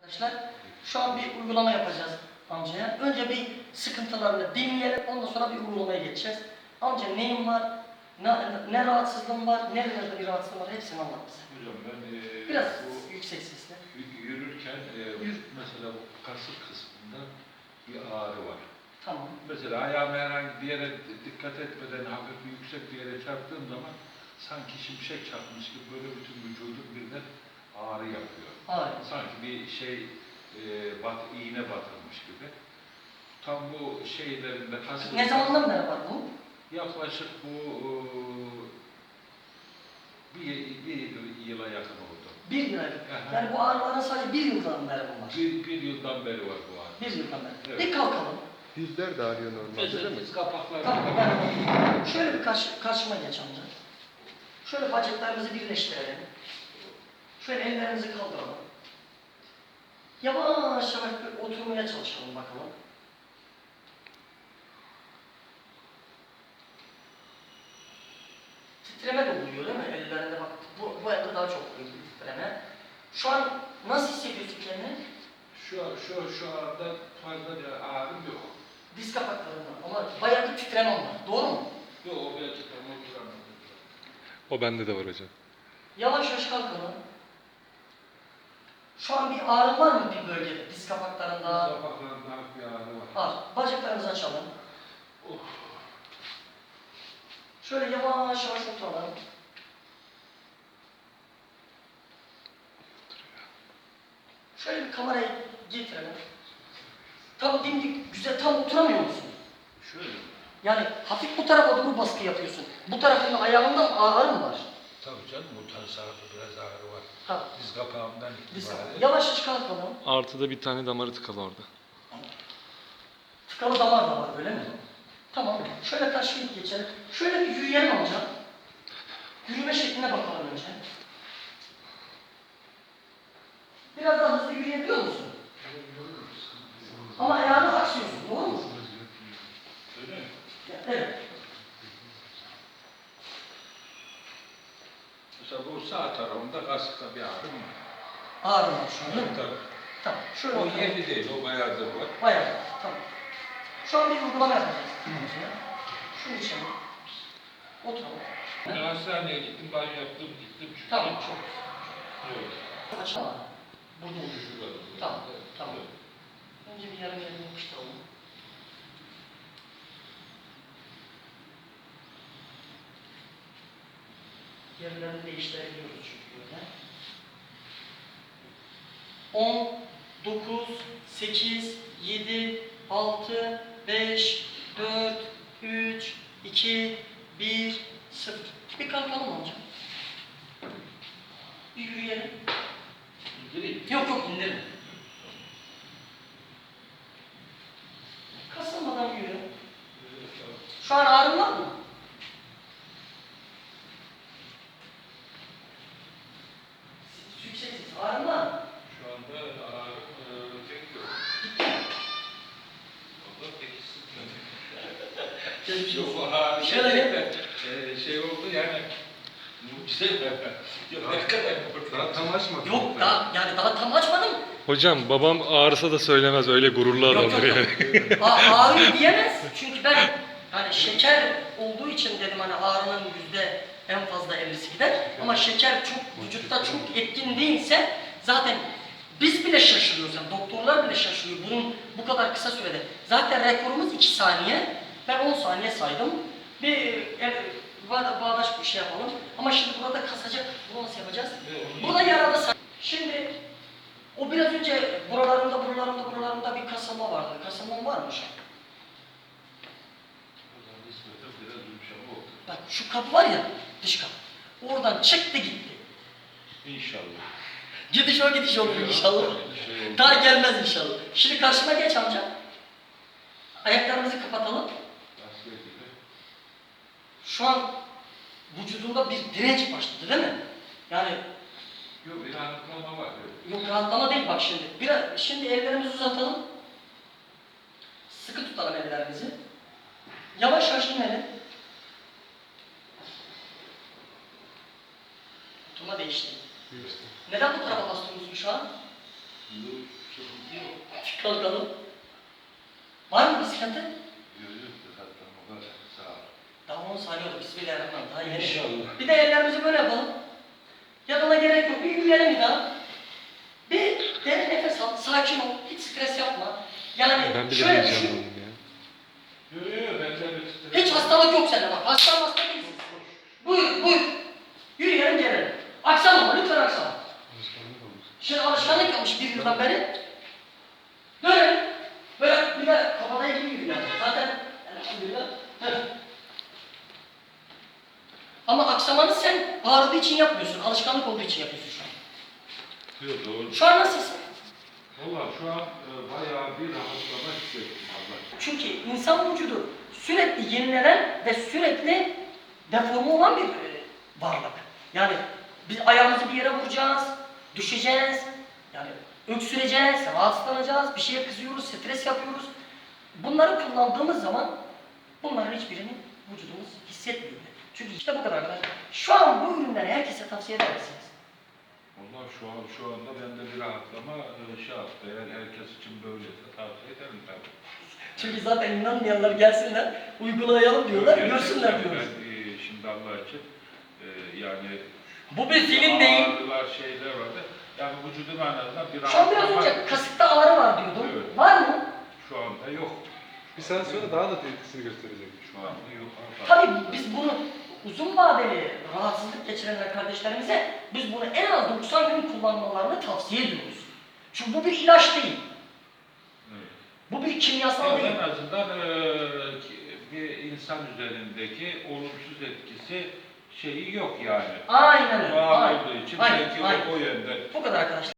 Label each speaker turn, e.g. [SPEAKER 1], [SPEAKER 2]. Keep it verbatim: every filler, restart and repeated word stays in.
[SPEAKER 1] Arkadaşlar şu an bir uygulama yapacağız amcaya. Önce bir sıkıntılarını dinleyelim, ondan sonra bir uygulamaya geçeceğiz. Amca neyin var, ne, ne rahatsızlığın var, nerelerde bir rahatsızlığın var hepsini anlat bize.
[SPEAKER 2] Hocam ben e,
[SPEAKER 1] Biraz
[SPEAKER 2] bu
[SPEAKER 1] yüksek sesle.
[SPEAKER 2] yürürken e,
[SPEAKER 1] Yürü.
[SPEAKER 2] mesela bu kasık kısmında bir ağrı var.
[SPEAKER 1] Tamam.
[SPEAKER 2] Mesela ayağımı herhangi bir yere dikkat etmeden hafif bir yüksek bir yere çarptığım zaman sanki şimşek çarpmış gibi böyle bütün vücudum birden ağrı yapıyor.
[SPEAKER 1] Ağrı.
[SPEAKER 2] Sanki bir şey e, bat, iğne batırmış gibi. Tam bu şeylerinde kasık...
[SPEAKER 1] Ne zamandan beri var bu?
[SPEAKER 2] Yaklaşık bu e, bir, bir yıla yakın oldu.
[SPEAKER 1] Bir yıl evvel. Yani bu ağrıların sadece bir yıldan beri mi var?
[SPEAKER 2] Bir, bir yıldan beri var bu ağrı.
[SPEAKER 1] Bir yıldan beri.
[SPEAKER 2] Evet.
[SPEAKER 1] Bir kalkalım.
[SPEAKER 3] Dizler de ağrıyor normalde değil mi?
[SPEAKER 2] Diz kapakları.
[SPEAKER 1] Tamam, ben şöyle bir karşı, karşıma geç amca. Şöyle bacaklarımızı birleştirelim. Şöyle ellerimizi kaldıralım. Yavaş yavaş bir oturmaya çalışalım bakalım. Titreme de oluyor değil mi? Ellerinde bak. Bu, bu elde daha çok oluyor titreme. Şu an nasıl hissediyorsun kendini?
[SPEAKER 2] Şu, şu, şu anda fazla bir ağrım yok.
[SPEAKER 1] Diz kapaklarında ama bayağı bir titreme var. Doğru mu?
[SPEAKER 2] Yok, o belki tam oturamadım.
[SPEAKER 3] O bende de var hocam.
[SPEAKER 1] Yavaş yavaş kalkalım. Şu an bir ağrı var mı bir bölgede? Diz kapaklarında.
[SPEAKER 2] Diz kapaklarında bir ağrı var.
[SPEAKER 1] Var. Bacaklarımızı açalım.
[SPEAKER 2] Oh.
[SPEAKER 1] Şöyle yavaş yavaş oturalım. Şöyle bir kamerayı getirelim. Tam dimdik, güzel, tam oturamıyor musun?
[SPEAKER 2] Şöyle.
[SPEAKER 1] Yani hafif bu tarafa doğru baskı yapıyorsun. Bu tarafın ayağında mı ağrı mı var?
[SPEAKER 2] Tabii canım, bu tarafta biraz ağrı var.
[SPEAKER 1] Ha.
[SPEAKER 2] Diz kapağımdan
[SPEAKER 1] Diz
[SPEAKER 2] itibaren.
[SPEAKER 1] kapağı. Yavaş yavaş kalkalım.
[SPEAKER 3] Artıda bir tane damarı tıkalı orada.
[SPEAKER 1] Tıkalı damar da var öyle mi? Tamam. Şöyle taşıyıp geçelim. Şöyle bir yürüyelim amca. Yürüme şekline bakalım önce. Biraz daha hızlı yürüyebiliyor musun? Ama ayağını aksıyorsun, doğru mu?
[SPEAKER 2] Öyle mi?
[SPEAKER 1] Evet.
[SPEAKER 2] Mesela bu sağ tarafımda kasıkta bir ağrım var.
[SPEAKER 1] Ağrı var şu an değil mi?
[SPEAKER 2] Tabii.
[SPEAKER 1] Tamam. Şöyle
[SPEAKER 2] O
[SPEAKER 1] oturalım.
[SPEAKER 2] yeni değil, o bayağıdır var.
[SPEAKER 1] Bayağı. Tamam. Şu an bir uygulama yapacağız. Şunu içelim. Oturalım.
[SPEAKER 2] Ben hastaneye gittim, banyo yaptım, gittim. Çünkü
[SPEAKER 1] Tamam. Çok.
[SPEAKER 2] Evet.
[SPEAKER 1] Açalım. Burada olur.
[SPEAKER 2] Şurada.
[SPEAKER 1] Tamam.
[SPEAKER 2] Evet.
[SPEAKER 1] Tamam. Önce bir yarım yerini yapıştıralım. Yerlerini değiştirebiliyoruz çünkü böyle. on, dokuz, sekiz, yedi, altı, beş, dört, üç, iki, bir, sıfır. Bir kalkalım amca. Bir yürüyelim.
[SPEAKER 2] İndireyim.
[SPEAKER 1] Yok yok indirme. Kasılmadan yürü. Şu an ağrın var mı? Yüksek ses. Ağrın var mı?
[SPEAKER 2] Şu anda ağrım e, pek yok. Valla pek hissetmedim.
[SPEAKER 1] Geçmiş olsun.
[SPEAKER 2] Yok, ağrı
[SPEAKER 1] Şöyle
[SPEAKER 2] gerçekten e, şey oldu yani. Mucize mi? Yok, ne kadar
[SPEAKER 3] Daha tam açmadı.
[SPEAKER 1] Yok daha yani daha tam açmadım.
[SPEAKER 3] Hocam babam ağrısa da söylemez, öyle gururlu
[SPEAKER 1] Yok
[SPEAKER 3] adamdır
[SPEAKER 1] yok
[SPEAKER 3] yani.
[SPEAKER 1] yok. Aa, ağrıyor diyemez. Çünkü ben hani şeker olduğu için dedim hani ağrının yüzde en fazla ellisi gider. Ama şeker çok vücutta çok etkin değilse zaten biz bile şaşırıyoruz. Yani doktorlar bile şaşırıyor. Bunun bu kadar kısa sürede. Zaten rekorumuz iki saniye. Ben on saniye saydım. Bir e, bağ- bağdaş bir şey yapalım. Ama şimdi burada kasacak. Bunu nasıl yapacağız? Burada yaralı say- Şimdi o biraz önce buralarında, buralarında, buralarında bir kasılma vardı. Kasılma var mı şu an?
[SPEAKER 2] Biraz yumuşama oldu.
[SPEAKER 1] Bak şu kapı var ya, dış kapı. Oradan çıktı gitti.
[SPEAKER 2] İnşallah.
[SPEAKER 1] Gidiş o gidiş olur inşallah.
[SPEAKER 2] Şey oldu.
[SPEAKER 1] Daha gelmez inşallah. Şimdi karşıma geç amca. Ayaklarımızı kapatalım.
[SPEAKER 2] Asker gibi.
[SPEAKER 1] Şu an vücudunda bir direnç başladı değil mi? Yani
[SPEAKER 2] Yok, bir rahatlama var.
[SPEAKER 1] yok rahatlama değil bak şimdi. Biraz, şimdi ellerimizi uzatalım. Sıkı tutalım ellerimizi. Yavaş yavaş inelim. Oturma değişti. Neden bu tarafa bastırıyorsun şu an?
[SPEAKER 2] Yok. Sıkıntı yok.
[SPEAKER 1] Kalkalım. Var mı bir sıkıntı?
[SPEAKER 2] Yürüyüp de zaten o kadar sağ ol.
[SPEAKER 1] Daha onu sayıyorduk. Bismillahirrahmanirrahim. Daha yeni.
[SPEAKER 2] İnşallah.
[SPEAKER 1] Bir de ellerimizi böyle yapalım. Yatana gerek yok. Bir yürüyelim bir daha. Bir derin nefes al. Sakin ol. Hiç stres yapma. Yani
[SPEAKER 3] Ben bile
[SPEAKER 1] şöyle
[SPEAKER 3] diyeceğim
[SPEAKER 1] düşün.
[SPEAKER 3] oğlum ya.
[SPEAKER 2] Yürüyor, ben de bir
[SPEAKER 1] Hiç hastalık yok sende bak. Hasta hasta değilsin. Buyur buyur. Yürüyelim gelelim. Aksama lütfen aksama. Şimdi alışkanlık yapmış bir yıldan beri. Dönelim. Böyle bir de kafada gibi yürüyor. Zaten elhamdülillah. Evet. Ama aksamanı sen ağrıdığı için yapmıyorsun. Alışkanlık olduğu için yapıyorsun şu an.
[SPEAKER 2] Yok, doğru.
[SPEAKER 1] Şu an nasılsın?
[SPEAKER 2] Valla şu an e, bayağı bir rahatlama hissettim Allah.
[SPEAKER 1] Çünkü insan vücudu sürekli yenilenen ve sürekli deforme olan bir e, varlık. Yani biz ayağımızı bir yere vuracağız, düşeceğiz, yani öksüreceğiz, rahatsızlanacağız, bir şeye kızıyoruz, stres yapıyoruz. Bunları kullandığımız zaman bunların hiçbirini vücudumuz hissetmiyor. Çünkü işte bu kadar arkadaşlar. Şu an bu ürünleri herkese tavsiye eder misiniz?
[SPEAKER 2] Valla şu an şu anda bende bir rahatlama e, şey yaptı. Eğer herkes için böyleyse tavsiye ederim tabii.
[SPEAKER 1] Çünkü zaten inanmayanlar gelsinler, uygulayalım diyorlar,
[SPEAKER 2] Gerçekten
[SPEAKER 1] görsünler diyoruz.
[SPEAKER 2] Ben e, şimdi Allah için e, yani
[SPEAKER 1] Bu bir film değil.
[SPEAKER 2] ağrılar şeyler vardı. Yani vücudum en azından bir
[SPEAKER 1] Şu an biraz
[SPEAKER 2] rahatlama.
[SPEAKER 1] önce kasıkta ağrı var diyordum.
[SPEAKER 2] Evet.
[SPEAKER 1] Var mı?
[SPEAKER 2] Şu anda yok.
[SPEAKER 3] Bir saat sonra daha da etkisini gösterecek.
[SPEAKER 2] Şu anda yok.
[SPEAKER 1] Tabii biz bunu uzun vadeli rahatsızlık geçirenler kardeşlerimize biz bunu en az doksan gün kullanmalarını tavsiye ediyoruz. Çünkü bu bir ilaç değil.
[SPEAKER 2] Evet.
[SPEAKER 1] Bu bir kimyasal değil.
[SPEAKER 2] En azından eee, bir insan üzerindeki olumsuz etkisi şeyi yok yani.
[SPEAKER 1] Aynen öyle.
[SPEAKER 2] Doğal
[SPEAKER 1] Aynen.
[SPEAKER 2] olduğu için
[SPEAKER 1] Aynen,
[SPEAKER 2] belki
[SPEAKER 1] aynen.
[SPEAKER 2] o, o yönden
[SPEAKER 1] Bu kadar arkadaşlar.